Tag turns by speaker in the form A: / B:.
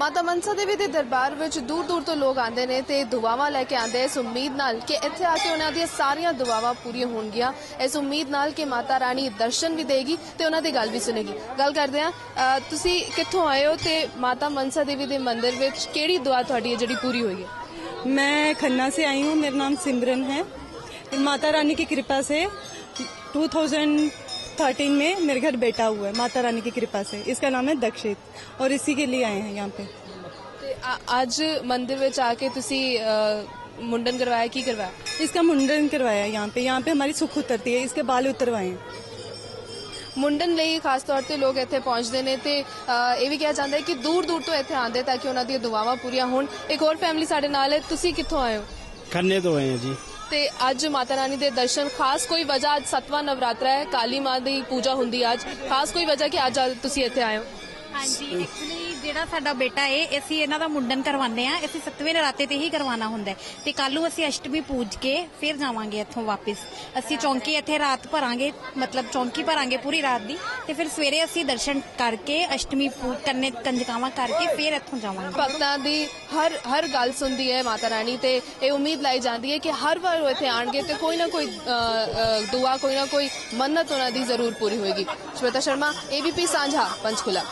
A: माता मनसा देवी के दरबार में दूर दूर तो लोग आते हैं तो दुआवां लैके आते इस उम्मीद नाल कि इत्थे आके उन्होंने सारिया दुआवां पूरी होणगियां, इस उम्मीद नाल कि माता रानी दर्शन भी देगी तो उन्होंने गल भी सुनेगी। गल करते हैं, तुसी कित्थों आए हो ते माता मनसा देवी के मंदिर में किहड़ी दुआ तुहाडी जिहड़ी पूरी हुई है?
B: मैं खन्ना से आई हूँ, मेरा नाम सिमरन है। माता रानी की कृपा से 2013 में मेरे घर बेटा हुआ है, माता रानी की कृपा से। इसका नाम है दक्षित और इसी के लिए आए हैं यहाँ पे।
A: आज मंदिर में आके तुसी मुंडन करवाया, की करवाया?
B: इसका मुंडन करवाया यहाँ पे हमारी सुख उतरती है, इसके बाल उतरवाए हैं।
A: मुंडन ਲਈ खास तौर ਤੇ लोग ਇੱਥੇ ਪਹੁੰਚਦੇ ਨੇ ਤੇ ਇਹ ਵੀ ਕਿਹਾ ਜਾਂਦਾ ਹੈ ਕਿ ਦੂਰ ਦੂਰ ਤੋਂ ਇੱਥੇ ਆਉਂਦੇ ਤਾਂ ਕਿ ਉਹਨਾਂ ਦੀਆਂ ਦੁਆਵਾਂ ਪੂਰੀਆਂ ਹੋਣ। ਇੱਕ ਹੋਰ ਫੈਮਿਲੀ ਸਾਡੇ ਨਾਲ ਹੈ, ਤੁਸੀਂ ਕਿੱਥੋਂ ਆਏ ਹੋ?
C: खन्ने तो आए हैं जी।
A: ਤੇ ਅੱਜ ਮਾਤਾ ਰਾਣੀ ਦੇ ਦਰਸ਼ਨ, ਖਾਸ ਕੋਈ ਵਜ੍ਹਾ? ਅੱਜ 7ਵਾਂ ਨਵਰਾਤਰਾ ਹੈ, ਕਾਲੀ ਮਾਂ ਦੀ ਪੂਜਾ ਹੁੰਦੀ ਹੈ ਅੱਜ, ਖਾਸ ਕੋਈ ਵਜ੍ਹਾ ਕਿ ਅੱਜ ਤੁਸੀਂ ਇੱਥੇ ਆਏ ਹੋ?
D: हाँ जी, एक्चुअली ਜਿਹੜਾ ਸਾਡਾ ਬੇਟਾ ਹੈ ਅਸੀਂ ਇਹਨਾਂ ਦਾ ਮੁੰਡਨ ਕਰਵਾਉਂਦੇ ਆ। ਅਸੀਂ 7ਵੇਂ ਨਰਾਤੇ ਤੇ ਹੀ ਕਰਵਾਉਣਾ ਹੁੰਦਾ ਤੇ ਕੱਲ ਨੂੰ ਅਸੀਂ ਅਸ਼ਟਮੀ ਪੂਜ ਕੇ ਫਿਰ ਜਾਵਾਂਗੇ ਇੱਥੋਂ ਵਾਪਸ। ਅਸੀਂ ਚੌਂਕੀ ਇੱਥੇ ਰਾਤ ਭਰਾਂਗੇ, ਮਤਲਬ ਚੌਂਕੀ ਭਰਾਂਗੇ ਪੂਰੀ ਰਾਤ ਦੀ ਤੇ ਫਿਰ ਸਵੇਰੇ ਅਸੀਂ ਦਰਸ਼ਨ ਕਰਕੇ ਅਸ਼ਟਮੀ ਪੂਜ ਕਰਨੇ, ਕੰਜਕਾਵਾਂ ਕਰਕੇ ਫਿਰ ਇੱਥੋਂ ਜਾਵਾਂਗੇ।
A: ਭਗਤਾਂ ਦੀ ਹਰ ਗੱਲ ਸੁਣਦੀ ਹੈ ਮਾਤਾ ਰਾਣੀ ਤੇ ਇਹ ਉਮੀਦ ਲਾਈ ਜਾਂਦੀ ਹੈ ਕਿ ਹਰ ਵਾਰ ਉਹ ਇੱਥੇ ਆਣਗੇ ਤੇ ਕੋਈ ਨਾ ਕੋਈ ਦੁਆ, ਕੋਈ ਨਾ ਕੋਈ ਮੰਨਤ ਉਹਨਾਂ ਦੀ ਜ਼ਰੂਰ ਪੂਰੀ ਹੋਏਗੀ। ਸ਼ਵੇਤਾ ਸ਼ਰਮਾ, ABP ਸਾਂਝਾ, ਪੰਚਕੂਲਾ।